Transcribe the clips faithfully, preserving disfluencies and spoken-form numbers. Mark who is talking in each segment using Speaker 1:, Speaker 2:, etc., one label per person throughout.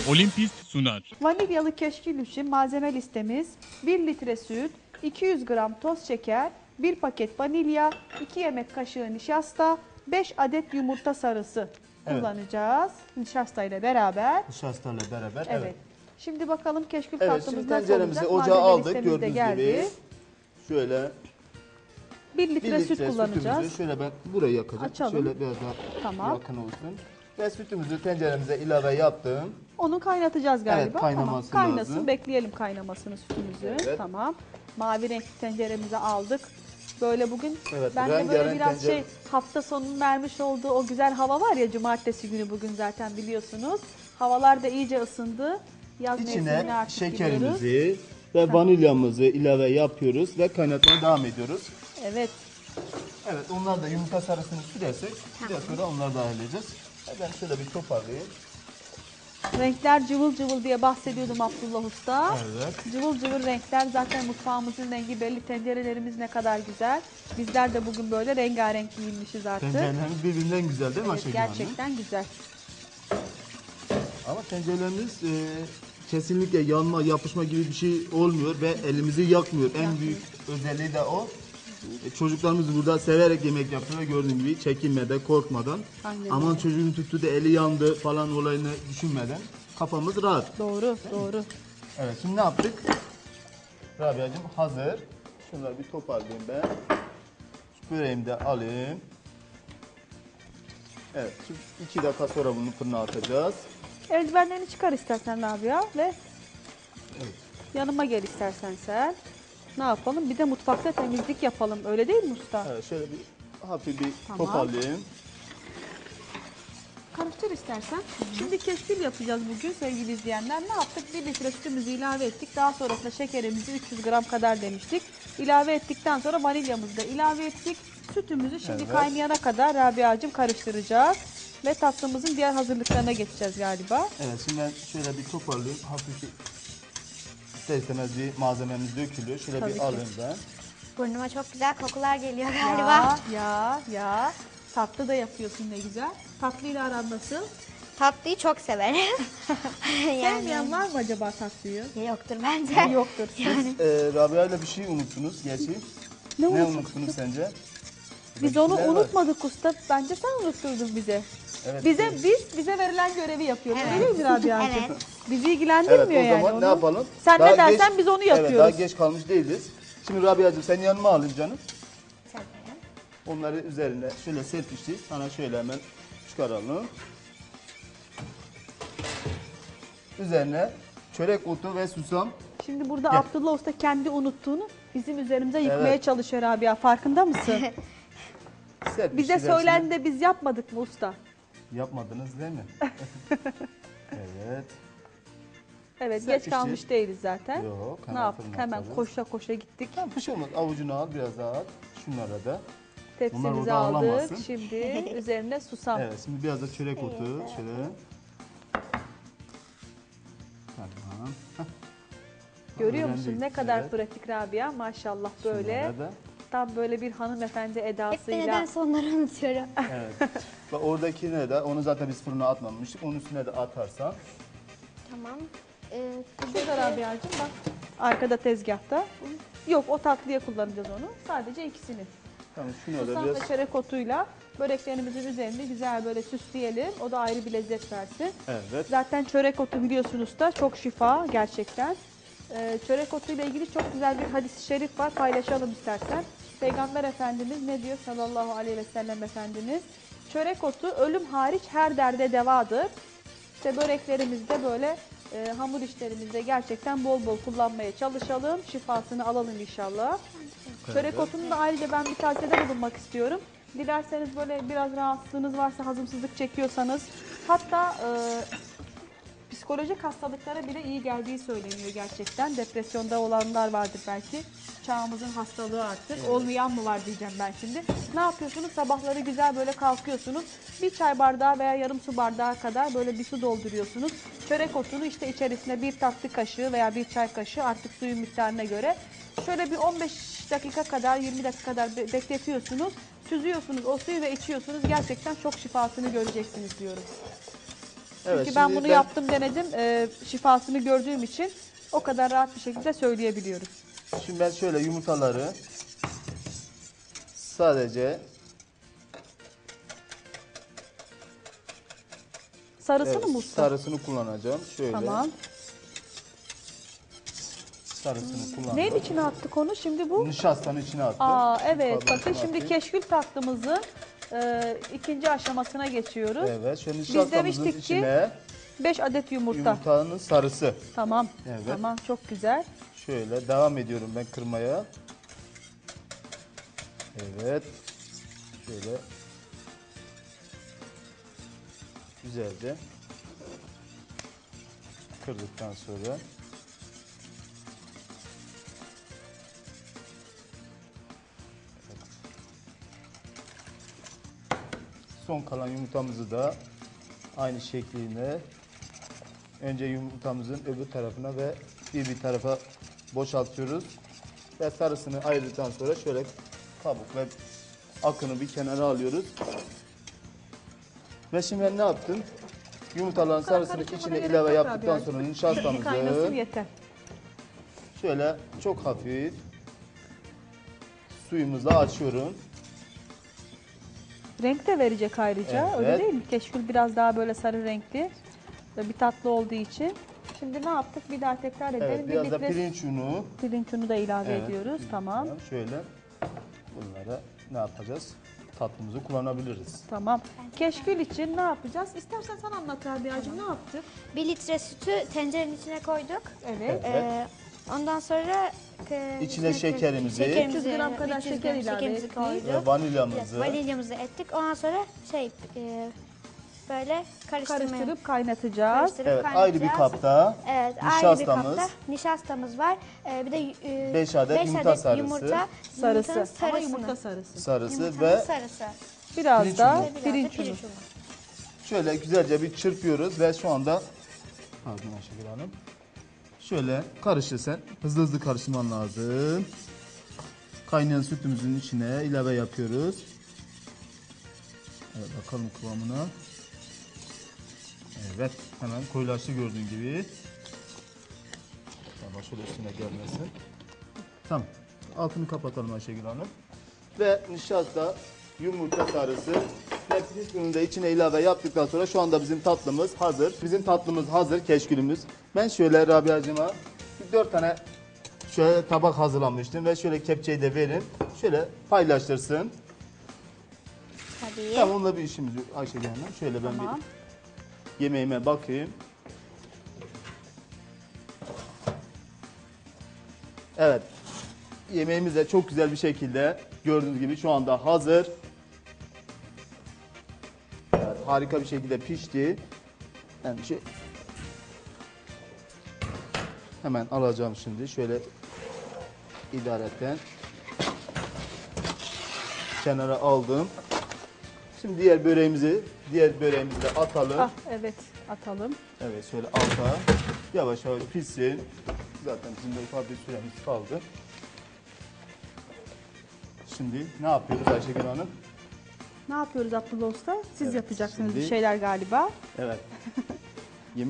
Speaker 1: Olimpist sunar.
Speaker 2: Vanilyalı keşkül için malzeme listemiz: bir litre süt, iki yüz gram toz şeker, bir paket vanilya, iki yemek kaşığı nişasta, beş adet yumurta sarısı
Speaker 3: Evet.
Speaker 2: kullanacağız. Nişasta ile beraber.
Speaker 3: Nişasta ile beraber.
Speaker 2: Evet.
Speaker 3: Evet.
Speaker 2: Şimdi bakalım keşkül
Speaker 3: Evet,
Speaker 2: tatlımız
Speaker 3: şimdi
Speaker 2: nasıl
Speaker 3: tenceremizi
Speaker 2: olacak?
Speaker 3: ocağa
Speaker 2: Malzeme
Speaker 3: aldık.
Speaker 2: listemiz de
Speaker 3: Gördüğünüz
Speaker 2: geldi.
Speaker 3: gibi şöyle
Speaker 2: bir litre,
Speaker 3: bir litre
Speaker 2: süt kullanacağız.
Speaker 3: sütümüzü şöyle ben burayı yakacağım.
Speaker 2: Açalım.
Speaker 3: Şöyle biraz daha
Speaker 2: Tamam.
Speaker 3: yakın olsun. Ve sütümüzü tenceremize ilave yaptım.
Speaker 2: Onu kaynatacağız galiba.
Speaker 3: Evet, kaynaması
Speaker 2: tamam. Kaynasın,
Speaker 3: lazım.
Speaker 2: bekleyelim kaynamasını sütümüzü.
Speaker 3: Evet.
Speaker 2: Tamam. Mavi renkli tenceremize aldık. Böyle bugün
Speaker 3: Evet,
Speaker 2: ben de böyle
Speaker 3: rengarenk
Speaker 2: biraz
Speaker 3: tencere-
Speaker 2: şey hafta sonunun vermiş olduğu o güzel hava var ya, cumartesi günü bugün zaten biliyorsunuz. Havalar da iyice ısındı. Yaz mevsimine
Speaker 3: İçine
Speaker 2: artık giriyoruz.
Speaker 3: şekerimizi ve vanilyamızı ilave yapıyoruz ve kaynatmaya devam ediyoruz.
Speaker 2: Evet.
Speaker 3: Evet, onlar da yumurta sarısını sürersek biraz sonra onları da halledeceğiz. Ben şöyle bir toparlayayım.
Speaker 2: Renkler cıvıl cıvıl diye bahsediyordum Abdullah Usta.
Speaker 3: Evet.
Speaker 2: Cıvıl cıvıl renkler, zaten mutfağımızın rengi belli, tencerelerimiz ne kadar güzel. Bizler de bugün böyle rengarenk giyinmişiz artık.
Speaker 3: Tencerelerimiz birbirinden güzel değil mi
Speaker 2: Evet,
Speaker 3: Ayşegül Hanım?
Speaker 2: gerçekten güzel.
Speaker 3: Ama tencerelerimiz e, kesinlikle yanma, yapışma gibi bir şey olmuyor ve elimizi yakmıyor. En büyük özelliği de o. E, çocuklarımız burada severek yemek yapıyor. Gördüğün gibi çekinmeden, korkmadan.
Speaker 2: Aynen
Speaker 3: Aman
Speaker 2: öyle.
Speaker 3: çocuğun tuttu da eli yandı falan olayını düşünmeden kafamız rahat.
Speaker 2: Doğru, doğru.
Speaker 3: Evet, şimdi ne yaptık? Rabia'cığım hazır. Şunları bir toparlayayım ben. Şu böreğimi de alayım. Evet, şimdi iki dakika sonra bunu fırına atacağız.
Speaker 2: Eldivenlerini çıkar istersen Rabia ve yanıma gel istersen sen. Ne yapalım? Bir de mutfakta temizlik yapalım. Öyle değil mi usta?
Speaker 3: Evet, şöyle bir hafif bir
Speaker 2: Tamam.
Speaker 3: toparlayayım.
Speaker 2: Karıştır istersen. Şimdi keşkül yapacağız bugün sevgili izleyenler. Ne yaptık? bir litre sütümüzü ilave ettik. Daha sonrasında şekerimizi üç yüz gram kadar demiştik. İlave ettikten sonra vanilyamızı da ilave ettik. Sütümüzü şimdi
Speaker 3: Evet.
Speaker 2: kaynayana kadar Rabia'cığım karıştıracağız. Ve tatlımızın diğer hazırlıklarına geçeceğiz galiba.
Speaker 3: Evet, şimdi ben şöyle bir toparlayayım. Hafif bir ister istemez bir malzememiz dökülüyor. Şöyle
Speaker 2: Tabii
Speaker 3: bir
Speaker 2: ki.
Speaker 3: alayım ben.
Speaker 4: Burnuma çok güzel kokular geliyor galiba.
Speaker 2: Ya, ya, ya. Tatlı da yapıyorsun ne güzel. Tatlıyla aran nasıl?
Speaker 4: Tatlıyı çok severim.
Speaker 2: Sevmeyen var mı acaba tatlıyı?
Speaker 4: Yoktur bence.
Speaker 2: Yoktur.
Speaker 4: Yani
Speaker 3: Ee, Rabia ile bir şey unuttunuz gerçi.
Speaker 2: Ne
Speaker 3: Ne
Speaker 2: unuttuk?
Speaker 3: unuttunuz sence?
Speaker 2: Biz onu
Speaker 3: Renkler var.
Speaker 2: unutmadık usta. Bence sen unutturdun bize.
Speaker 3: Evet,
Speaker 2: Bize
Speaker 3: evet.
Speaker 2: biz bize verilen görevi yapıyoruz.
Speaker 4: Evet.
Speaker 2: Öyle değil mi Rabia'cığım?
Speaker 4: Evet.
Speaker 2: Bizi ilgilendirmiyor
Speaker 3: Evet, o
Speaker 2: yani
Speaker 3: zaman
Speaker 2: onu.
Speaker 3: ne yapalım?
Speaker 2: Sen
Speaker 3: Daha
Speaker 2: ne dersen
Speaker 3: geç-
Speaker 2: biz onu
Speaker 3: Evet, daha
Speaker 2: yapıyoruz.
Speaker 3: geç kalmış değiliz. Şimdi Rabia'cığım seni yanıma alayım canım.
Speaker 4: severim.
Speaker 3: Onları üzerine şöyle serpiştik. Sana şöyle hemen çıkaralım. Üzerine çörek otu ve susam.
Speaker 2: Şimdi burada
Speaker 3: Gel.
Speaker 2: Abdullah Usta kendi unuttuğunu bizim üzerimize yıkmaya
Speaker 3: Evet.
Speaker 2: çalışıyor Rabia. Farkında mısın?
Speaker 3: serpiştik
Speaker 2: Bize
Speaker 3: hepsini.
Speaker 2: söylendi de biz yapmadık mı usta?
Speaker 3: Yapmadınız değil mi? Evet.
Speaker 2: Evet,
Speaker 3: Serpiştik.
Speaker 2: geç kalmış değiliz zaten.
Speaker 3: Yok,
Speaker 2: Ne
Speaker 3: hemen
Speaker 2: yaptık?
Speaker 3: fırına
Speaker 2: Hemen
Speaker 3: atarız.
Speaker 2: koşa koşa gittik.
Speaker 3: Tamam, bir şey olmaz. Avucunu al, biraz daha at. Şunlara da.
Speaker 2: Tepsimizi
Speaker 3: orada
Speaker 2: aldık.
Speaker 3: ağlamasın.
Speaker 2: Şimdi üzerine susam.
Speaker 3: Evet, şimdi biraz da çörek otu. Şöyle. Tamam. Heh,
Speaker 2: Görüyor
Speaker 3: öğrendik.
Speaker 2: musun ne kadar
Speaker 3: Evet.
Speaker 2: pratik Rabia, maşallah böyle.
Speaker 3: Şunlara da.
Speaker 2: Tam böyle bir hanımefendi
Speaker 4: Hep de
Speaker 2: edasıyla.
Speaker 4: nedense onları unutuyorum.
Speaker 3: Evet. Bak oradakine de, onu zaten biz fırına atmamıştık. Onun üstüne de atarsan.
Speaker 4: Tamam. Ee,
Speaker 2: Şurada Rabia'cığım bak. Arkada tezgahta. Yok, o tatlıya kullanacağız onu. Sadece ikisini.
Speaker 3: Tamam, şunu da
Speaker 2: Susam
Speaker 3: biraz.
Speaker 2: ve çörek otuyla böreklerimizin üzerinde güzel böyle süsleyelim. O da ayrı bir lezzet versin.
Speaker 3: Evet.
Speaker 2: Zaten çörek otu biliyorsunuz da çok şifa gerçekten. Ee, çörek otuyla ilgili çok güzel bir hadis-i şerif var. Paylaşalım istersen. Peygamber Efendimiz ne diyor sallallahu aleyhi ve sellem Efendimiz? Çörek otu ölüm hariç her derde devadır. İşte böreklerimizde böyle e, hamur işlerimizde gerçekten bol bol kullanmaya çalışalım. Şifasını alalım inşallah. Çörek otunun da ayrıca ben bir tavsiyede bulunmak istiyorum. Dilerseniz böyle biraz rahatsızlığınız varsa, hazımsızlık çekiyorsanız, hatta e, psikolojik hastalıklara bile iyi geldiği söyleniyor gerçekten. Depresyonda olanlar vardır belki. Çağımızın hastalığı artık. Olmayan mı var diyeceğim ben şimdi. Ne yapıyorsunuz? Sabahları güzel böyle kalkıyorsunuz. Bir çay bardağı veya yarım su bardağı kadar böyle bir su dolduruyorsunuz. Çörek otunu işte içerisine bir tatlı kaşığı veya bir çay kaşığı, artık suyun miktarına göre. Şöyle bir on beş dakika kadar, yirmi dakika kadar be- bekletiyorsunuz. Süzüyorsunuz o suyu ve içiyorsunuz. Gerçekten çok şifasını göreceksiniz diyorum.
Speaker 3: Evet,
Speaker 2: Çünkü ben
Speaker 3: şimdi
Speaker 2: bunu
Speaker 3: ben-
Speaker 2: yaptım denedim. Ee, şifasını gördüğüm için o kadar rahat bir şekilde söyleyebiliyorum.
Speaker 3: Şimdi ben şöyle yumurtaları sadece
Speaker 2: Sarısını
Speaker 3: evet,
Speaker 2: mı usta?
Speaker 3: sarısını kullanacağım. Şöyle
Speaker 2: Tamam.
Speaker 3: sarısını kullandım.
Speaker 2: Neyin içine attık onu şimdi bu?
Speaker 3: Nişastanın içine attım.
Speaker 2: Aa evet,
Speaker 3: Kabın
Speaker 2: bakın
Speaker 3: içine
Speaker 2: şimdi
Speaker 3: atayım.
Speaker 2: keşkül tatlımızın e, ikinci aşamasına geçiyoruz.
Speaker 3: Evet, şöyle
Speaker 2: Biz
Speaker 3: nişastamızın
Speaker 2: demiştik ki
Speaker 3: içine
Speaker 2: beş adet yumurta.
Speaker 3: yumurtanın sarısı.
Speaker 2: Tamam.
Speaker 3: Evet.
Speaker 2: Tamam, çok güzel.
Speaker 3: Şöyle devam ediyorum ben kırmaya. Evet. Şöyle güzelce kırdıktan sonra son kalan yumurtamızı da aynı şekliyle önce yumurtamızın öbür tarafına ve bir bir tarafa boşaltıyoruz. Ve sarısını ayırdıktan sonra şöyle kabuk ve akını bir kenara alıyoruz. Ve şimdi ben ne yaptım? Yumurtaların sarısını
Speaker 2: karıştırmana
Speaker 3: içine
Speaker 2: gerek
Speaker 3: ilave
Speaker 2: yok
Speaker 3: yaptıktan
Speaker 2: abi.
Speaker 3: sonra
Speaker 2: Bir
Speaker 3: nişastamızı
Speaker 2: kaynasın yeter.
Speaker 3: şöyle çok hafif suyumuzla açıyorum.
Speaker 2: Renk de verecek ayrıca.
Speaker 3: Evet.
Speaker 2: Öyle değil mi? Keşkül biraz daha böyle sarı renkli ve bir tatlı olduğu için. Şimdi ne yaptık? Bir daha tekrar edelim.
Speaker 3: Evet, biraz da
Speaker 2: Birlikte
Speaker 3: pirinç unu.
Speaker 2: pirinç unu da ilave
Speaker 3: Evet,
Speaker 2: ediyoruz.
Speaker 3: pirinç
Speaker 2: Tamam.
Speaker 3: unu. Şöyle bunlara ne yapacağız? Tatlımızı kullanabiliriz.
Speaker 2: Tamam. Keşkül için ne yapacağız? İstersen sen anlat Rabia'cığım, ne yaptık?
Speaker 4: Bir litre sütü tencerenin içine koyduk.
Speaker 2: Evet.
Speaker 3: Evet.
Speaker 4: Ee, ondan sonra e,
Speaker 3: İçine şekerimizi,
Speaker 2: üç yüz gram kadar
Speaker 4: üç yüz
Speaker 2: şeker
Speaker 4: gram
Speaker 2: ilave
Speaker 4: şekerimizi
Speaker 2: ettik.
Speaker 4: koyduk.
Speaker 3: ve vanilyamızı.
Speaker 4: Vanilyamızı ettik. Ondan sonra şey e, böyle karıştırmaya
Speaker 2: Karıştırıp kaynatacağız.
Speaker 4: karıştırıp
Speaker 3: Evet, ayrı bir
Speaker 4: kaynatacağız.
Speaker 3: kapta
Speaker 4: Evet, ayrı bir
Speaker 3: nişastamız.
Speaker 4: kapta nişastamız var. Ee, bir de e,
Speaker 3: Beş adet
Speaker 4: beş
Speaker 3: yumurta
Speaker 4: adet
Speaker 3: sarısı.
Speaker 4: yumurta,
Speaker 2: Sarısı.
Speaker 4: yumurtanın
Speaker 2: Ama
Speaker 4: sarısını.
Speaker 2: yumurta sarısı.
Speaker 3: sarısı
Speaker 4: Yumurtanın
Speaker 3: ve
Speaker 4: sarısı.
Speaker 2: Biraz
Speaker 3: Pirinç
Speaker 2: da
Speaker 3: unu.
Speaker 4: Ve biraz da
Speaker 2: pirinç unu.
Speaker 4: pirinç unu.
Speaker 3: şöyle güzelce bir çırpıyoruz ve şu anda pardon Ayşegül Hanım. Şöyle karıştır sen. Hızlı hızlı karıştırman lazım. Kaynayan sütümüzün içine ilave yapıyoruz. Evet, bakalım kıvamına. Evet, hemen koyulaştı gördüğün gibi. Tamam, şöyle üstüne gelmesin. Tamam. Altını kapatalım Ayşegül Hanım. Ve nişasta, yumurta sarısı ve pirinç ununu da içine ilave yaptıktan sonra şu anda bizim tatlımız hazır. Bizim tatlımız hazır, keşkülümüz. Ben şöyle Rabia'cığıma bir dört tane şöyle tabak hazırlamıştım ve şöyle kepçeyi de verin. Şöyle paylaştırsın.
Speaker 4: Tabii.
Speaker 3: Tamam, onunla bir işimiz yok Ayşegül Hanım. Şöyle ben
Speaker 2: Tamam.
Speaker 3: bir yemeğime bakayım. Evet. Yemeğimiz de çok güzel bir şekilde gördüğünüz gibi şu anda hazır. Evet, harika bir şekilde pişti. Yani şey... Hemen alacağım şimdi. Şöyle idareten kenara aldım. Şimdi diğer böreğimizi, diğer böreğimizi de atalım.
Speaker 2: Ah evet, atalım.
Speaker 3: Evet, şöyle alta yavaş yavaş pişsin. Zaten bizim de ufak bir süremiz kaldı. Şimdi ne yapıyoruz Ayşegül Hanım?
Speaker 2: Ne yapıyoruz Abdullah Usta? Siz
Speaker 3: Evet,
Speaker 2: yapacaksınız
Speaker 3: şimdi-
Speaker 2: bir şeyler galiba.
Speaker 3: Evet. Yeme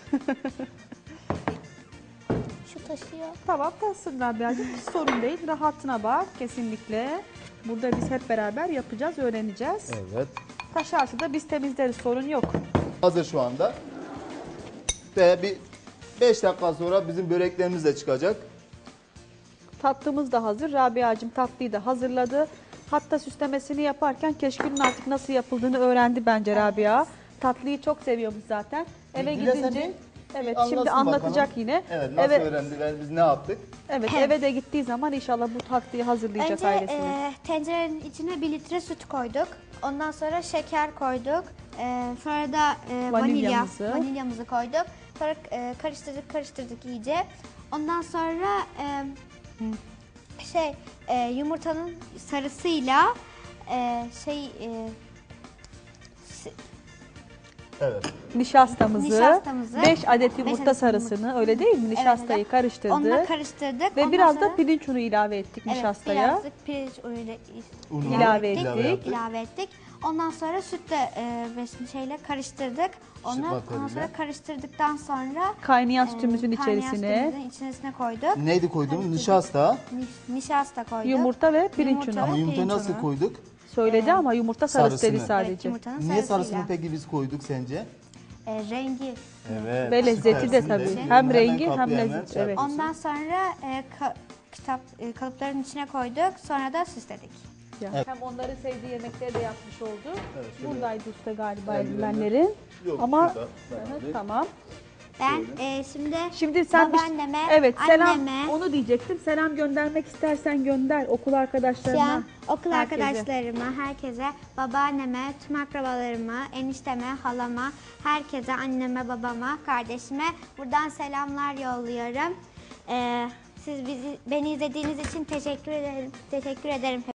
Speaker 4: Şu taşıyor.
Speaker 2: Tamam, tatsın Rabia'cığım. Hiç sorun değil. Rahatına bak kesinlikle. Burada biz hep beraber yapacağız, öğreneceğiz.
Speaker 3: Evet.
Speaker 2: Taşarsa da biz temizleriz, sorun yok.
Speaker 3: Hazır şu anda. Ve bir beş dakika sonra bizim böreklerimiz de çıkacak.
Speaker 2: Tatlımız da hazır. Rabia'cığım tatlıyı da hazırladı. Hatta süslemesini yaparken keşkülün artık nasıl yapıldığını öğrendi bence Rabia. Tatlıyı çok seviyormuş zaten. Eve
Speaker 3: Dilersen
Speaker 2: gidince
Speaker 3: bir-
Speaker 2: evet
Speaker 3: bir
Speaker 2: şimdi
Speaker 3: anlatsın
Speaker 2: anlatacak
Speaker 3: bakalım.
Speaker 2: yine.
Speaker 3: Evet, nasıl
Speaker 2: Eve,
Speaker 3: öğrendiler, biz ne yaptık?
Speaker 2: evet eve de gittiği zaman inşallah bu tatlıyı hazırlayacak
Speaker 4: Önce
Speaker 2: ailesine.
Speaker 4: e, tencerenin içine bir litre süt koyduk. Ondan sonra şeker koyduk. E, sonra da e, vanilya,
Speaker 2: Vanilyamızı.
Speaker 4: vanilyamızı koyduk. Sonra e, karıştırdık karıştırdık iyice. Ondan sonra e, şey e, yumurtanın sarısıyla e, şey e, s-
Speaker 3: Evet.
Speaker 2: Nişastamızı,
Speaker 4: Nişastamızı,
Speaker 2: beş adet yumurta
Speaker 4: adet
Speaker 2: sarısını öyle değil mi? Nişastayı
Speaker 4: evet.
Speaker 2: karıştırdık.
Speaker 4: onunla karıştırdık.
Speaker 2: Ve
Speaker 4: Ondan
Speaker 2: biraz
Speaker 4: sonra-
Speaker 2: da pirinç unu ilave ettik
Speaker 4: Evet,
Speaker 2: nişastaya.
Speaker 4: birazcık pirinç unuyla
Speaker 3: Unu
Speaker 2: İlave
Speaker 3: ilave
Speaker 2: ettik.
Speaker 3: yaptık.
Speaker 4: ilave ettik. Ondan sonra sütle e, ve şeyle karıştırdık. Onu ondan
Speaker 3: batarıyla.
Speaker 4: sonra karıştırdıktan sonra
Speaker 2: Kaynayan
Speaker 4: e,
Speaker 2: sütümüzün
Speaker 4: kaynayan
Speaker 2: içerisine
Speaker 4: sütümüzün içerisine koyduk.
Speaker 3: Neydi koyduğumuz? Nişasta.
Speaker 4: Niş- Nişasta koyduk.
Speaker 2: yumurta ve pirinç
Speaker 4: Yumurta
Speaker 2: unu.
Speaker 4: ve
Speaker 3: Ama yumurtayı
Speaker 4: pirinç
Speaker 3: nasıl
Speaker 4: unu.
Speaker 3: koyduk?
Speaker 2: Söyledi ama yumurta sarısı dedi
Speaker 3: Sarısını.
Speaker 2: sadece.
Speaker 4: Evet, yumurtanın
Speaker 3: Niye
Speaker 4: sarısıyla.
Speaker 3: sarısını peki biz koyduk sence?
Speaker 4: E, rengi.
Speaker 3: Evet.
Speaker 2: Ve lezzeti de
Speaker 3: süpersin
Speaker 2: tabii.
Speaker 3: diyorum.
Speaker 2: Hem
Speaker 3: Hemen
Speaker 2: rengi hem
Speaker 3: kapıya hemen
Speaker 2: lezzeti,
Speaker 3: şey
Speaker 2: evet.
Speaker 3: yapıyorsun.
Speaker 4: Ondan sonra e, ka- kitap e, kalıpların içine koyduk. Sonra da süsledik.
Speaker 2: Ya.
Speaker 3: Evet.
Speaker 2: Hem onların sevdiği yemekleri de yapmış oldu.
Speaker 3: Evet, şöyle.
Speaker 2: Buradaydı usta galiba
Speaker 3: Eldivenler.
Speaker 2: eldivenlerin.
Speaker 3: Yok,
Speaker 2: Ama
Speaker 3: şurada, ben
Speaker 2: Evet,
Speaker 3: alayım.
Speaker 2: tamam.
Speaker 4: Ben e, şimdi
Speaker 2: Şimdi sen bir-
Speaker 4: babaanneme,
Speaker 2: evet selam
Speaker 4: anneme,
Speaker 2: onu diyecektim. Selam göndermek istersen gönder okul
Speaker 4: şu
Speaker 2: arkadaşlarına.
Speaker 4: an okul
Speaker 2: herkese.
Speaker 4: arkadaşlarıma, herkese, babaanneme, tüm akrabalarıma, enişteme, halama, herkese, anneme, babama, kardeşime buradan selamlar yolluyorum. E, siz bizi beni izlediğiniz için teşekkür ederim. Teşekkür ederim.